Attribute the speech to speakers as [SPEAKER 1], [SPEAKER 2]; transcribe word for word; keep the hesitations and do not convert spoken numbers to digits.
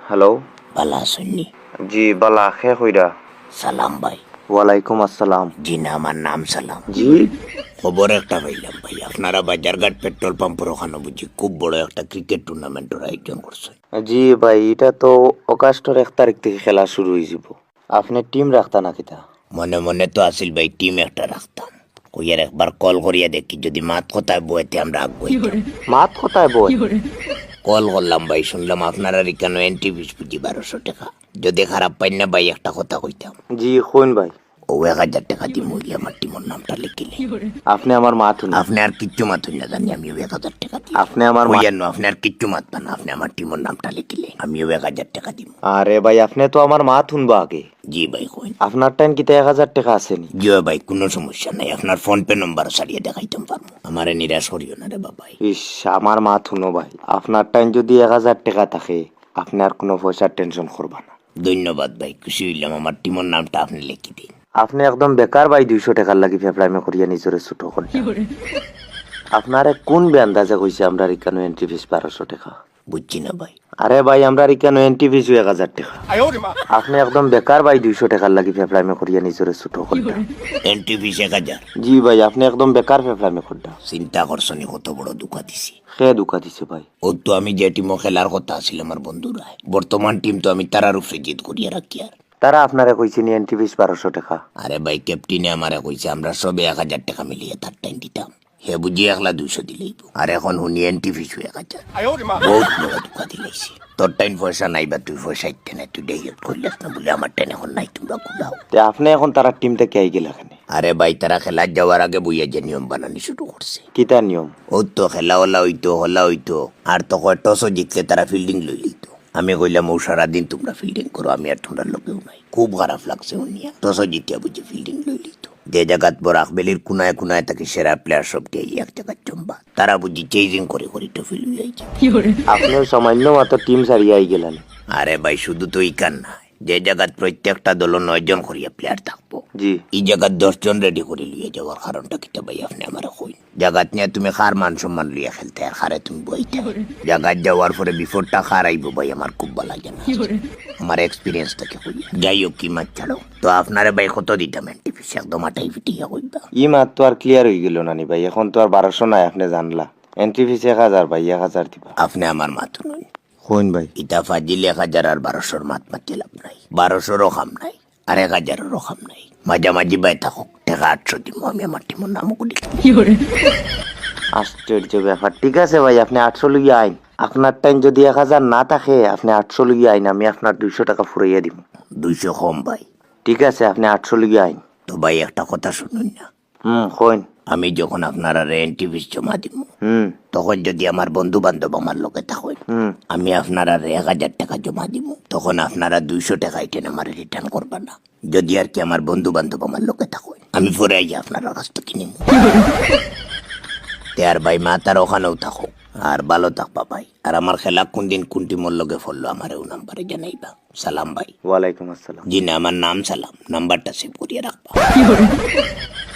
[SPEAKER 1] Hello.
[SPEAKER 2] বালা শুননি?
[SPEAKER 1] জি বালা, খে কইরা?
[SPEAKER 2] সালাম ভাই।
[SPEAKER 1] ওয়ালাইকুম আসসালাম।
[SPEAKER 2] জি না, আমার নাম সালাম।
[SPEAKER 1] জি
[SPEAKER 2] খবর একটা পাইলাম ভাই, আপনারা বাজারঘাট পেট্রোল পাম্পের ওখানে বুঝি খুব বড় একটা ক্রিকেট টুর্নামেন্টের আয়োজন করছে।
[SPEAKER 1] জি ভাই, এটা তো অগাস্টের এক তারিখ থেকে খেলা শুরু হয়ে যাব। আপনি টিম রাখতা নাকি তা?
[SPEAKER 2] মনে মনে তো আসিল ভাই টিম একটা রাখতাম, কইয়ার একবার কল করিয়া দেখি যদি মাত কথায় বইতে আমরা আগুই।
[SPEAKER 1] মাত কোথায় বই?
[SPEAKER 2] কল করলাম ভাই, শুনলাম আপনারা কেন এন্ট্রি ফিস বুঝি বারোশো টাকা। যদি খারাপ পাই না ভাই একটা কথা কইতাম।
[SPEAKER 1] জি কইন ভাই।
[SPEAKER 2] ও এক হাজার টাকা দিয়ে মুই আমার টিমর নামটা লিখিলে।
[SPEAKER 1] আপনি আমার মাত শুনুন।
[SPEAKER 2] আপনি আর কিচ্ছু মাতুন না জানি, আমিও এক হাজার টাকা দিই।
[SPEAKER 1] আপনি আমার মা-
[SPEAKER 2] কইয়ার আপনি আর কিচ্ছু মাতবেন না, আপনি আমার টিমর নামটা লিখিলে আমিও এক হাজার টাকা দিব।
[SPEAKER 1] আরে ভাই, আপনি তো আমার মাত শুনবো আগে।
[SPEAKER 2] জি ভাই কইন।
[SPEAKER 1] আপনার টাইম কিতে এক হাজার টাকা আসেনি?
[SPEAKER 2] জি ভাই, কোনো সমস্যা নাই, আপনার ফোন পে নম্বর সারিয়ে দেখাইতাম পারবো। আমারে নিরাশ করিও না রে বাবাই।
[SPEAKER 1] ইস, আমার মাত শুনো ভাই, আপনার টাইম যদি এক হাজার টাকা থাকে আপনি আর কোনো পয়সার টেনশন করবা না।
[SPEAKER 2] ধন্যবাদ ভাই, খুশি হইলাম। আমার টিমর নামটা আপনি লিখে দিন।
[SPEAKER 1] আপনি একদম বেকার ভাই, দুইশো টাকার লাগি ফেফড়াইমে করিয়া নিজরে ছোট করে। আপনারে কোন বেন্দাজে কইছে আমরা রিকানো এন্ট্রি ফিস বারোশো টাকা?
[SPEAKER 2] বুঝছি না ভাই।
[SPEAKER 1] আরে ভাই, আমরা রিকানো এন্ট্রি ফিস এক হাজার টাকা। আপনি একদম বেকার ভাই, দুইশো টাকার লাগি ফেফড়াইমে করিয়া নিজরে ছোট করে।
[SPEAKER 2] এন্ট্রি ফিস এক হাজার?
[SPEAKER 1] জি ভাই, আপনি একদম বেকার ফেফড়াইমে করডা।
[SPEAKER 2] চিন্তা করছনি কত বড় দুঃখা দিছি।
[SPEAKER 1] সে দুকা দিছে ভাই।
[SPEAKER 2] ও তো আমি যে টিমও খেলার কথা আছিল আমার বন্ধুরা, বর্তমান টিম তো আমি তারার উপরে জিত করিয়া রাখি। আর
[SPEAKER 1] তারা আপনারে কইছে নি এন্ট্রি ফিস বারোশো টাকা?
[SPEAKER 2] আরে ভাই, ক্যাপ্টেনে আমারে কইছে আমরা সবে এক হাজার টাকা মিলিয়ে তার টাইম দিতাম, হে বুঝি একলা দুইশো দিলেই। আর এখন শুনি এন্ট্রি ফিস এক হাজার। বহুত বড় দুঃখা দিলাইছি। তোর টাইম পয়সা নাই বা তুই পয়সা ইতে নাই, তুই ডাইরেক্ট কইলাস না বলে আমার টাইম এখন নাই, তোমরা কুলাও।
[SPEAKER 1] তে আপনি এখন তারা টিম থেকে আই গেলা কেন?
[SPEAKER 2] আরে ভাই, তারা খেলার যাওয়ার আগে বইয়া যে নিয়ম বানানি শুরু করছে।
[SPEAKER 1] কিতা নিয়ম?
[SPEAKER 2] ও তো খেলা হলা হইতো হলা হইতো আর তো কয় টসও জিতলে তারা ফিল্ডিং লই লিত। আমি কইলাম ও সারাদিন তোমরা ফিল্ডিং করো, আমি আর তোমরা লোকেও নাই। খুব খারাপ লাগছে উনিয়া টসও জিতিয়া বুঝি ফিল্ডিং লই লিত। যে জায়গাত বড় আকবেলির কুনায় কুনায় তাকে সেরা প্লেয়ার সবটি এক জায়গায় চম্বা, তারা বুঝি চেজিং করে করে টফি লই আইছে।
[SPEAKER 1] আপনি সামান্য মাত্র টিম সারিয়ে আই গেলেন।
[SPEAKER 2] আরে ভাই, শুধু তো ইকান না, যে জায়গাত প্রত্যেকটা দল নয় জন করিয়া প্লেয়ার থাকবো,
[SPEAKER 1] জি
[SPEAKER 2] এই জায়গাত দশ জন রেডি করে লিয়ে যাওয়ার কারণটা কিটা ভাই আপনি আমার কই। জায়গাত নিয়ে তুমি খার মান সম্মান লিয়ে খেলতে আর খারে তুমি বইতে জায়গাত যাওয়ার পরে বিফোরটা খার আইব ভাই, আমার খুব ভালো লাগে না। আমার এক্সপিরিয়েন্স থেকে কই। যাই হোক, কি মাছ ছাড়ো তো আপনারে ভাই কত দিতাম এন্ট্রি ফিস? একদম আটাই ফিটিয়া কইবা।
[SPEAKER 1] ই মাত তো আর ক্লিয়ার হয়ে গেল নানি ভাই, এখন তো আর বারোশো নাই, আপনি জানলা। এন্ট্রি ফিস এক হাজার ভাই, এক হাজার দিবা।
[SPEAKER 2] আপনি আমার মাথা নই
[SPEAKER 1] হইন ভাই।
[SPEAKER 2] ইটা ফাজিল এক হাজার আর বারোশোর মাত মাতি লাভ নাই। বারোশোরও খাম নাই আর এক হাজারেরও খাম নাই, মাঝামাঝি বাই থাকুক। টাকা আটশো দিব, আমি আমার টিমোর নামও করি।
[SPEAKER 1] আশ্চর্য ব্যাপার। ঠিক আছে ভাই, আপনি আটশো লুগিয়ে আইন। আপনার টাইম যদি এক হাজার না থাকে আপনি আটশো লুগিয়ে আইন, আমি আপনার দুইশো টাকা ফুরাইয়া দিব।
[SPEAKER 2] দুইশো কম ভাই।
[SPEAKER 1] ঠিক আছে, আপনি আটশো লুগিয়ে আইন।
[SPEAKER 2] তো ভাই একটা কথা শুনুন না,
[SPEAKER 1] হুম হইন।
[SPEAKER 2] আমি যখন আপনারা এন্ট্রি ফিস জমা দিব
[SPEAKER 1] হুম
[SPEAKER 2] তখন যদি আমার বন্ধু বান্ধব আমার লোকে থাকেন,
[SPEAKER 1] হুম
[SPEAKER 2] আমি আপনারা এক হাজার টাকা জমা দিব, তখন আপনারা দুইশো টাকা এটেন আমার রিটার্ন করবেন না। যদি আর কি আমার বন্ধু বান্ধব আমার লোকে থাকেন, আমি পরে আই আপনারা কাছ থেকে নিব। আর ভাই মা তার ওখানেও থাকো আর ভালো থাকবা ভাই। আর আমার খেলা কোন দিন কোন টিমর লগে ফললো আমারও নাম্বারে জানাইবা। সালাম ভাই।
[SPEAKER 1] ওয়ালাইকুম আসসালাম।
[SPEAKER 2] জি না, আমার নাম সালাম, নাম্বারটা সেভ করিয়ে রাখবা।